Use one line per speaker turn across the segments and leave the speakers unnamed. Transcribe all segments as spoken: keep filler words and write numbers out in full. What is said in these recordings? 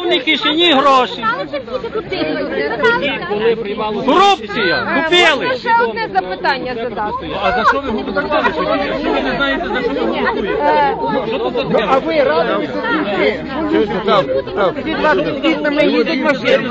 повній кишені гроші. Корупція, купили.
Ще одне запитання задати.
А за що ви готували? Якщо ви не знаєте, за що ви готуєте? Що тут за таке?
А ви разом із нами їздять машини.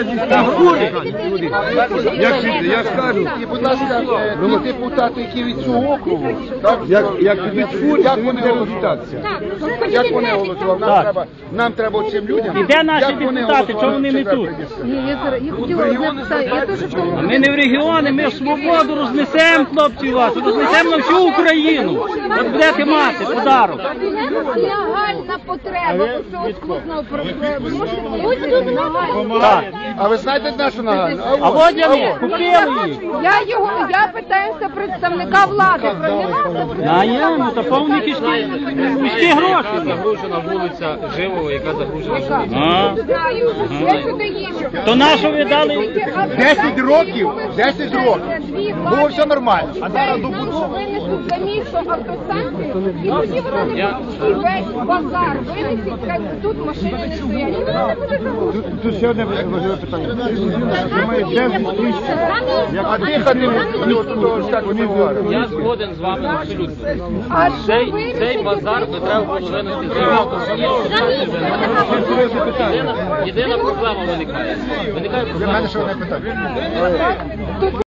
Я ж кажу,
І, будь ласка, ті депутати, які від цього округу, так, як, як, як вони голосувалися? Як вони голосували? Нам треба, нам треба цим людям.
І де наші
як вони
депутати? Чому вони не
голосували?
тут?
Ні, я зараз я хотіла одне питання. Я теж в тому.
Ми не в регіони, ми в свободу рознесемо, хлопці, вас, рознесемо на всю Україну. От будете мати подарок.
Нагальна потреба, що от складно можете нагальна.
Так.
А ви знаєте нашу нагальну?
А от я ми купили їх.
Я його, я питаюся представника влади про нього.
А є, ну то повні кишки, кишки гроші.
Загружена вулиця Живого, яка загружена вулиця.
А,
Знаю, я сюди їжджу.
то на що ви дали?
десять років, десять років. Було все нормально.
А зараз винесуть за місто автостанцію, і тоді вони не і весь базар винесуть, хай тут машини не стоять. І вона не буде загружена.
Тут ще одне важливе питання. А дихати вони отут всяко не говорять.
Я згоден з вами абсолютно.
А
Цей, цей базар не треба було винести за єдина, єдина проблема виникає. Виникає проблема.
Ще одне питання.